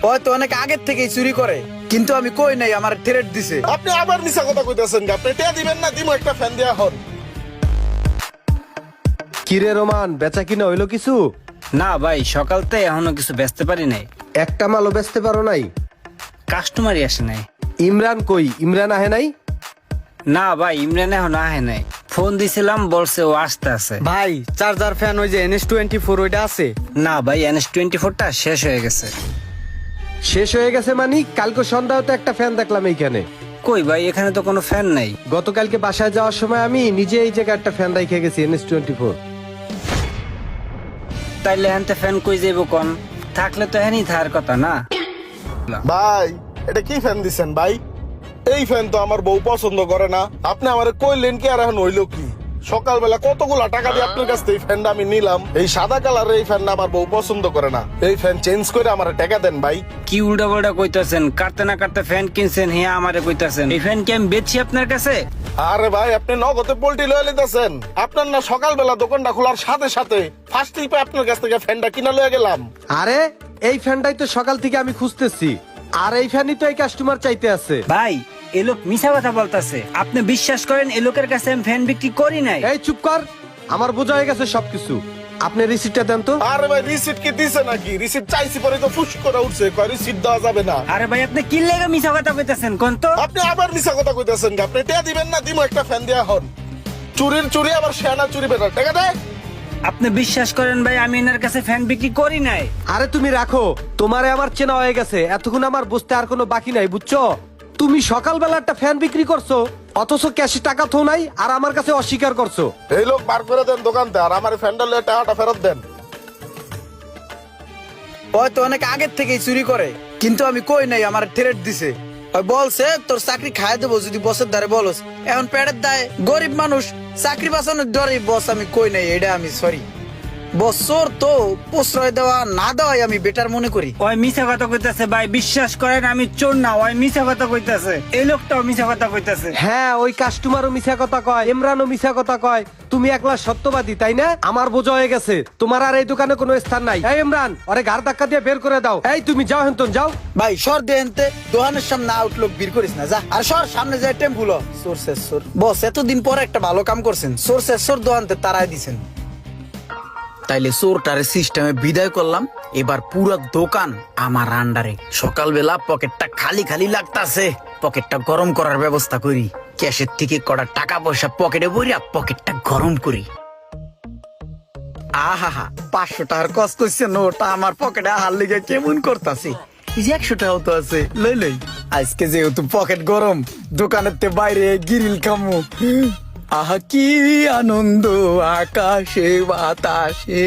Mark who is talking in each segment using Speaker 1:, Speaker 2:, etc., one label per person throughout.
Speaker 1: হয়তো অনেক আগের থেকেই চুরি করে, কিন্তু আমি কই নাই, আমার থ্রেট দিছে।
Speaker 2: আপনি আবার মিছা কথা কইতেছেন, আপনি টিয়া দিবেন না, দিমো একটা ফ্যান দেয়া হন।
Speaker 3: কিরে রোমান, বেচা কিনা হইলো কিছু?
Speaker 4: না ভাই, সকালতে এখনো কিছু বেচতে পারি নাই,
Speaker 3: একটা মালও বেচতে পারো নাই?
Speaker 4: কাস্টমারই আসে নাই।
Speaker 3: ইমরান কই? ইমরান আহে নাই?
Speaker 4: না ভাই, ইমরান এখনো আহে নাই। ফোন দিছিলাম, বলছে ও আসতে আছে।
Speaker 5: ভাই চার্জার ফ্যান ওই যে NS24 ওইটা আছে?
Speaker 4: না ভাই, NS24টা শেষ হয়ে গেছে।
Speaker 3: শেষ হয়ে গেছে মানে? কালকে সন্ধ্যাও তো একটা ফ্যান দেখলাম এইখানে।
Speaker 4: কই ভাই, এখানে তো কোনো ফ্যান নাই।
Speaker 3: গতকালকে বাসায় যাওয়ার সময় আমি নিজে এই জায়গায় একটা ফ্যান রেখে গেছি, NS24।
Speaker 4: তাইলে হ্যান্তে ফ্যান কই যাইব কোন? থাকলে তো হ্যানি থাকার কথা না।
Speaker 2: ভাই এটা কি ফ্যান দিছেন ভাই? এই ফ্যান তো আমার বউ পছন্দ করে না। আপনি আমারে কইলেন কি, আর এখন হইলো কি? সকালবেলা কতগুলা টাকা দিয়ে আপনার কাছ থেকে এই ফ্যানটা আমি নিলাম। এই সাদা কালারের এই ফ্যানটা আমার বউ পছন্দ করে না। এই ফ্যান চেঞ্জ করে আমার টাকা দেন ভাই।
Speaker 4: কি উল্টা পাল্টা কইতাছেন? কাটতে না কাটতে ফ্যান কিনছেন, হ্যাঁ আমারে কইতাছেন এই ফ্যান কি আমি বেচছি আপনার কাছে?
Speaker 2: আরে ভাই আপনি নগদে পোল্ট্রি লয়ে লিতেছেন। আপনার না সকালবেলা দোকানটা খোলার সাথে সাথে ফার্স্ট ট্রিপে আপনার কাছ থেকে ফ্যানটা কিনা লয়ে গেলাম।
Speaker 3: আরে এই ফ্যানটাই তো সকাল থেকে আমি খুঁজতেছি, আর এই ফ্যানই তো এই কাস্টমার চাইতে আছে।
Speaker 4: ভাই এ লোক মিছা কথা বলতাছে, আপনি বিশ্বাস করেন এ লোকের কাছে আমি ফ্যান বিক্রি করি নাই।
Speaker 3: এই চুপ কর, আমার বোঝা হয়ে গেছে সবকিছু। আপনি রিসিপ্টটা দেন তো।
Speaker 2: আরে ভাই রিসিট কি দিছে নাকি? রিসিট চাইছি পরে তো ফুস করে উঠছে, কয় রিসিট দেওয়া যাবে না।
Speaker 4: আরে ভাই আপনি কি লেগে মিছা কথা কইতাছেন কোন তো?
Speaker 2: আপনি আবার মিছা কথা কইতেছেন, আপনি টিয়া দিবেন না, দিমো একটা ফ্যান দেয়া হন। চুরির চুরি আবার শেয়ানা চুরি বেটার টাকা দেয়।
Speaker 4: আপনি বিশ্বাস করেন ভাই, আমি এনার কাছে ফ্যান বিক্রি করি নাই।
Speaker 3: আরে তুমি রাখো, তোমারে আমার চেনা হয়ে গেছে, এতক্ষণ আমার বুঝতে আর কোনো বাকি নাই, বুঝছো? তুমি সকালবেলা একটা ফ্যান বিক্রি করছো, অথচ ক্যাশে টাকা থো নাই, আর আমার কাছে অস্বীকার করছো।
Speaker 2: এই লোক বার করে দেন দোকানতে, আর আমার ফ্যানটা লয়ে টাকাটা ফেরত দেন।
Speaker 1: হয়তো অনেক আগের থেকেই চুরি করে, কিন্তু আমি কই নাই, আমার থ্রেট দিছে। ওই বলছে তোর চাকরি খায় দেবো যদি বসের দ্বারে বলস। এখন পেটের দায়, গরিব মানুষ, চাকরি বাঁচানোর ডরে বস আমি কই নাই, এটা আমি সরি। বছর তো প্রশ্রয় দেওয়া না দেওয়াই আমি বেটার মনে করি।
Speaker 4: ওই মিছা কথা কইতাছে ভাই, বিশ্বাস করেন আমি চোর না, ওই মিছা কথা কইতাছে, এই লোকটাও মিছা কথা কইতাছে।
Speaker 3: হ্যাঁ, ওই কাস্টমারও মিছা কথা কয়, ইমরানও মিছা কথা কয়। তুমি একলা সত্যবাদী, তাই না? আমার বোঝা হয়ে গেছে, তোমার আর এই দোকানে কোনো স্থান নাই। এই ইমরান, ওরে ঘাড় ধাক্কা দিয়ে বের করে দাও। এই তুমি যাও, হেন্তন যাও।
Speaker 1: ভাই সর দেনতে, দোকানের সামনে আউটলুক বীর করিস না, যা। আর সর, সামনে যায় টেম্পুল। সোর্সের সোর বস, এতদিন পর একটা ভালো কাম করছেন, সোর্সের সোর দোকানতে তারাই দিছেন। তাইলে চোরটারে সিস্টেমে বিদায় করলাম, এবার পুরো দোকান আমার আন্ডারে। সকালবেলা পকেটটা খালি খালি লাগতাছে, পকেটটা গরম করার ব্যবস্থা করি। ক্যাশের থেকে কটা টাকা পয়সা পকেটে ভরিয়া পকেটটা গরম করি। আহা, 500 টাকার কষ্ট হচ্ছে, নোটা আমার পকেটে আহার লিগে কেমন করতাছে। 100 টাকাও তো আছে, লই লই। আজকে যেহেতু পকেট গরম, দোকানের তে বাইরে গিরিল খামু। আহা কি আনন্দ আকাশে বাতাসে।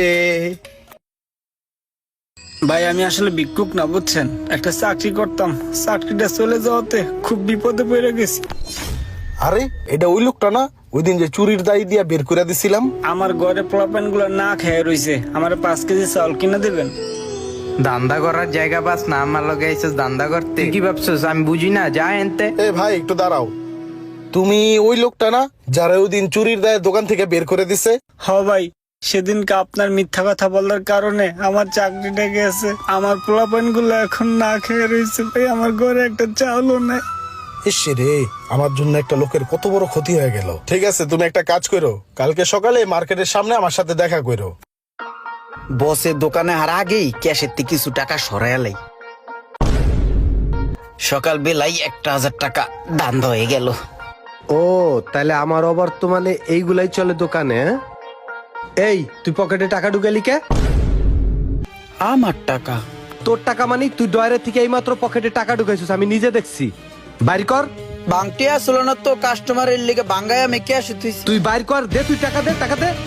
Speaker 4: ভাই আমি আসলে ভিক্ষুক না, বুঝছেন, একটা চাকরি করতাম, চাকরিটা চলে যাওয়াতে খুব বিপদে পড়ে গেছি।
Speaker 2: আরে এটা ওই লোকটা না, ওই দিন যে চুরির দায়ী দিয়া বের করে দিছিলাম?
Speaker 4: আমার ঘরে পোলাপান গুলো না খেয়ে রইছে, আমার 5 কেজি চাউল কিনে দেবেন?
Speaker 5: দান্দা করার জায়গা পাস না, আমার লগে আইছিস দান্দা করতে? কি ভাবছিস আমি বুঝি না? যা এনতে।
Speaker 2: এ ভাই একটু দাঁড়াও, তুমি ওই লোকটা না যারা ওই দিন চুরির দায়ে দোকান থেকে বের করে দিছে?
Speaker 4: হ ভাই, সেদিনকে আপনার মিথ্যা কথা বলার কারণে আমার চাকরিটা গেছে, আমার পোলাপান গুলো এখন না খেয়ে রয়েছে ভাই, আমার ঘরে একটা চাউলও নাই।
Speaker 2: ইস রে, আমার জন্য একটা লোকের কত বড় ক্ষতি হয়ে গেল। ঠিক আছে, তুমি একটা কাজ করো, কালকে সকালে মার্কেটের সামনে আমার সাথে দেখা করো।
Speaker 1: বসের দোকানে আর আগেই ক্যাশের থেকে কিছু টাকা সরাইলাই। সকাল বেলায় 1000 টাকা দান হয়ে গেল।
Speaker 3: ও তাহলে আমার অবর্তমানে এইগুলাই চলে দোকানে, হ্যাঁ? এই তুই পকেটে টাকা ঢুকালি কে?
Speaker 1: আমার টাকা?
Speaker 3: তোর টাকা মানে তুই ডয়ারের থেকে এইমাত্র পকেটে টাকা ঢুকাইছিস, আমি নিজে দেখছি। বাইর কর।
Speaker 1: বাংটি আসলো না তো, কাস্টমারের লিগে বাঙ্গায় আমি ক্যাশ তুইছি।
Speaker 3: তুই বাইর কর, দে, তুই টাকা দে, টাকা দে।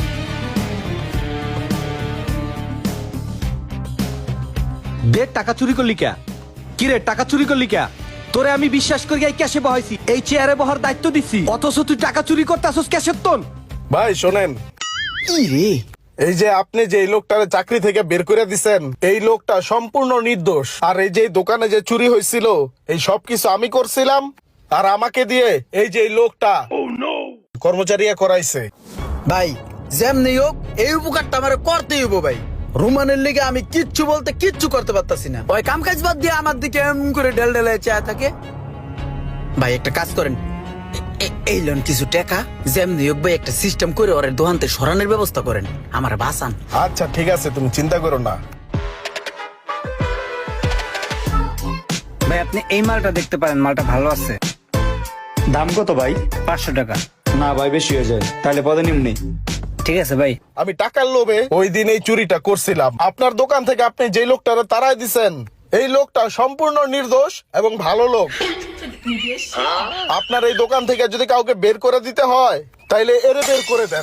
Speaker 3: দে, টাকা চুরি করলি কে? কি রে, টাকা চুরি করলি কে? তোরে আমি বিশ্বাস করি এই ক্যাশে বহাইছি, এই চেয়ারে বহার দায়িত্ব দিছি, অথচ তুই টাকা চুরি করতে আসছিস ক্যাশের তোন।
Speaker 2: ভাই শোনেন,
Speaker 1: কি রে?
Speaker 2: এই যে আপনি যে এই লোকটারে চাকরি থেকে বের করে দিছেন, এই লোকটা সম্পূর্ণ নির্দোষ। আর এই যে দোকানে যে চুরি হয়েছিল, এই সবকিছু আমি করছিলাম, আর আমাকে দিয়ে এই যে এই লোকটা কর্মচারী করাইছে।
Speaker 1: ভাই যেমনি হোক এই উপকারটা আমার করতেই হইব ভাই। রোমানের লিগে আমি কিচ্ছু বলতে কিচ্ছু করতে পারতাছি না। ওই কাম কাজ বাদ দিয়ে আমার দিকে এমন করে ঢেল ঢেলে চায় থাকে। ভাই একটা কাজ করেন, এই লোন কিছু টাকা যেমনি হোক ভাই একটা সিস্টেম করে ওর দোকানতে সরানোর ব্যবস্থা করেন, আমার বাঁচান।
Speaker 2: আচ্ছা ঠিক আছে, তুমি চিন্তা করো না।
Speaker 4: ভাই আপনি এই মালটা দেখতে পারেন, মালটা ভালো আছে।
Speaker 6: দাম কত ভাই?
Speaker 4: 500 টাকা।
Speaker 6: না ভাই, বেশি হয়ে যায়, তাহলে পদে নিম্নি।
Speaker 4: ঠিক আছে ভাই।
Speaker 2: আমি টাকার লোভে ওই দিন এই চুরিটা করছিলাম। আপনার দোকান থেকে আপনি যে লোকটারে তাড়াই দিছেন, এই লোকটা সম্পূর্ণ নির্দোষ এবং ভালো লোক। আপনার এই দোকান থেকে যদি কাউকে বের করে দিতে হয় তাইলে এরে বের করে দেন,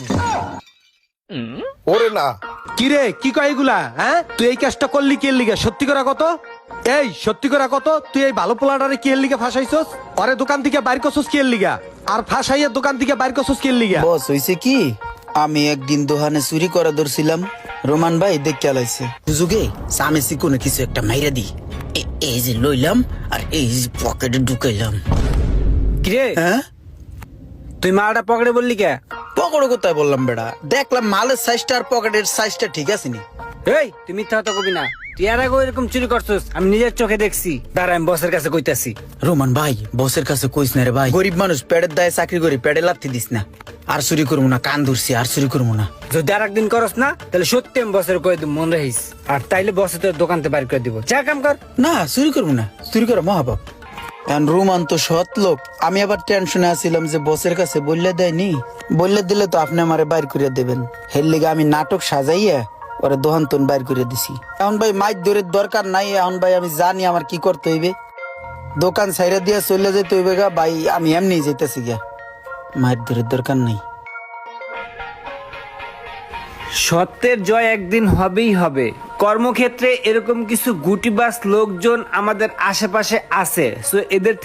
Speaker 2: ওরে না।
Speaker 3: কিরে কি কয় এগুলা? হ্যাঁ, তুই এই কাজটা করলি কি এর লিগে? সত্যি করে কত? এই সত্যি করে কত? তুই এই ভালো পোলাটারে কি এর লিগে ফাঁসাইছস? ওরে দোকান থেকে বাইর করছস কি এর লিগা? আর ফাঁসাইয়া দোকান থেকে বাইর করছস কি এর লিগা?
Speaker 1: বস হইছে কি, আমি একদিন দোকানে চুরি করে ধরছিলাম, রোমান ভাই দেখে আলাইছে হুজুগে সামেসি কোনো কিছু একটা মাইরা দি, এই যে লইলাম আর এই যে পকেটে ঢুকাইলাম।
Speaker 4: কিরে
Speaker 1: হ্যাঁ,
Speaker 4: তুই মালটা পকেটে বললি কে?
Speaker 1: পকেটে কোথায় বললাম বেড়া, দেখলাম মালের সাইজটা আর পকেটের সাইজটা ঠিক আছে নি।
Speaker 4: এই তুই মিথ্যা কথা কবি না, তুই এর আগে এরকম চুরি করছিস, আমি নিজের চোখে দেখছি। দাঁড়া আমি বসের কাছে কইতাছি।
Speaker 1: রোমান ভাই বসের কাছে কইস না রে ভাই, গরিব মানুষ, পেটের দায়ে চাকরি করি, পেটে লাথি দিস না। আর চুরি করবো না, কান ধরছি, আর চুরি করবো না।
Speaker 4: যদি আর একদিন করস না তাহলে সত্যি আমি বসের কয়ে দিব, মন রাখিস। আর তাইলে বসে তোর দোকানতে বাইর করে দিব। যা কাম কর।
Speaker 1: না চুরি করবো না, চুরি করা মহাপাপ। এখন রোমান তো সৎ লোক, আমি আবার টেনশনে আছিলাম যে বসের কাছে বললে দেয়নি, বললে দিলে তো আপনি আমারে বাইর করে দেবেন। হের লিগে আমি নাটক সাজাইয়া ওরে দোহান তোন বাইর করে দিছি। এখন ভাই মাইক ধরে দরকার নাই, এখন ভাই আমি জানি আমার কি করতে হইবে। দোকান সাইরা দিয়া চলে যেতে হইবে গা ভাই, আমি এমনি যেতেছি গিয়া, মাইক ধরে দরকার নাই।
Speaker 4: সত্যের জয় একদিন হবেই হবে। কর্মক্ষেত্রে এরকম কিছু গুটিবাজ লোকজন আমাদের আশেপাশে আছে, সো এদের